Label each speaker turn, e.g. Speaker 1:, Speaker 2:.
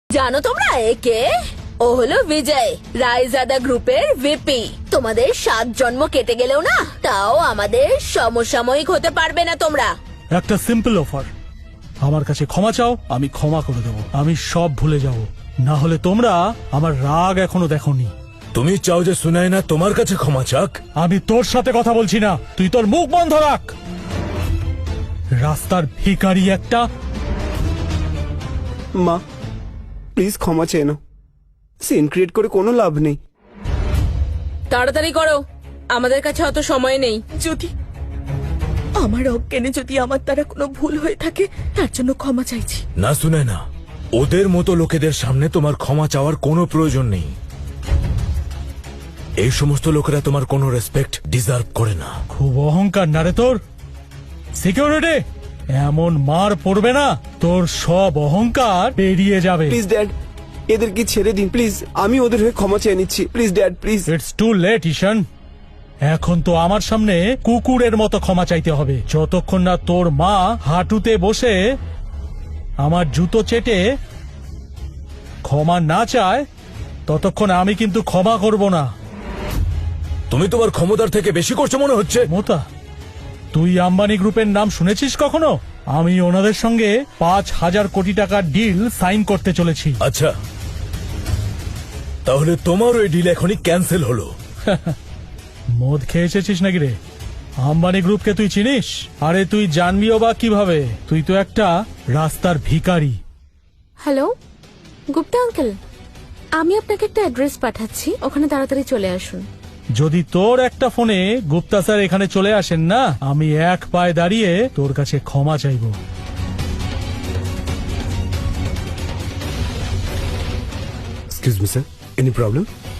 Speaker 1: জানো তোমরা একে? ও হলো বিজয়, রায়জাদা গ্রুপের ভিপি। তোমাদের 7 জন্ম কেটে গেলেও না, তাও আমাদের সমসাময়িক হতে পারবে না তোমরা।
Speaker 2: একটা সিম্পল অফার, আমার কাছে ক্ষমা চাও, আমি ক্ষমা করে দেব। আমি সব ভুলে যাব, না হলে তোমরা আমার রাগ এখনো দেখোনি।
Speaker 3: তুমি চাও যে সুনায়না তোমার কাছে ক্ষমা চাক?
Speaker 2: আমি তোর সাথে কথা বলছি না, তুই তোর মুখ বন্ধ রাখ। রাস্তার ভিখারি একটা।
Speaker 4: মা প্লিজ ক্ষমা চেয়ে নাও, সিন ক্রিয়েট করে কোনো লাভ নেই।
Speaker 1: তাড়াতাড়ি করো, আমাদের কাছে অত সময় নেই।
Speaker 5: যদি আমার অজ্ঞানে যদি আমার দ্বারা কোনো ভুল হয়ে থাকে, তার জন্য ক্ষমা চাইছি।
Speaker 3: না সুনায়না, ওদের মতো লোকেদের সামনে তোমার ক্ষমা চাওয়ার কোনো প্রয়োজন নেই। এই সমস্ত লোকেরা তোমার কোনো রেসপেক্ট ডিজার্ভ করে না।
Speaker 2: খুব অহংকার না রে তোর? সিকিউরিটি, এমন মার পড়বে না, তোর সব অহংকার বেরিয়ে যাবে।
Speaker 4: প্লিজ ড্যাড, এদেরকে ছেড়ে দিন প্লিজ। আমি ওদের হয়ে ক্ষমা চেয়ে নিচ্ছি, please dad please.
Speaker 2: It's too late Ishaan. এখন তো আমার সামনে কুকুরের মতো ক্ষমা চাইতে হবে। যতক্ষণ না তোর মা হাঁটুতে বসে আমার জুতো চেটে ক্ষমা না চায়, ততক্ষণ আমি কিন্তু ক্ষমা করব না।
Speaker 3: তুমি তোমার ক্ষমতার থেকে বেশি করছো মনে হচ্ছে।
Speaker 2: মোতা, তুই আম্বানি গ্রুপের নাম শুনেছিস কখনো? আমি ওনাদের সঙ্গে 5,000 কোটি টাকার ডিল সাইন করতে চলেছি।
Speaker 3: আচ্ছা, তাহলে তোমার ওই ডিল এখনই ক্যান্সেল হলো।
Speaker 2: মদ খেয়ে এসেছিস নাকি রে? আম্বানি গ্রুপকে তুই চিনিস? আরে তুই জানবিও বা কিভাবে? তুই তো একটা রাস্তার ভিখারি।
Speaker 6: হ্যালো গুপ্তা আঙ্কেল, আমি আপনাকে একটা অ্যাড্রেস পাঠাচ্ছি, ওখানে তাড়াতাড়ি চলে আসুন।
Speaker 2: যদি তোর একটা ফোনে গুপ্তা স্যার এখানে চলে আসেন না, আমি এক পায়ে দাঁড়িয়ে তোর কাছে ক্ষমা চাইব।
Speaker 4: Excuse me sir, any problem?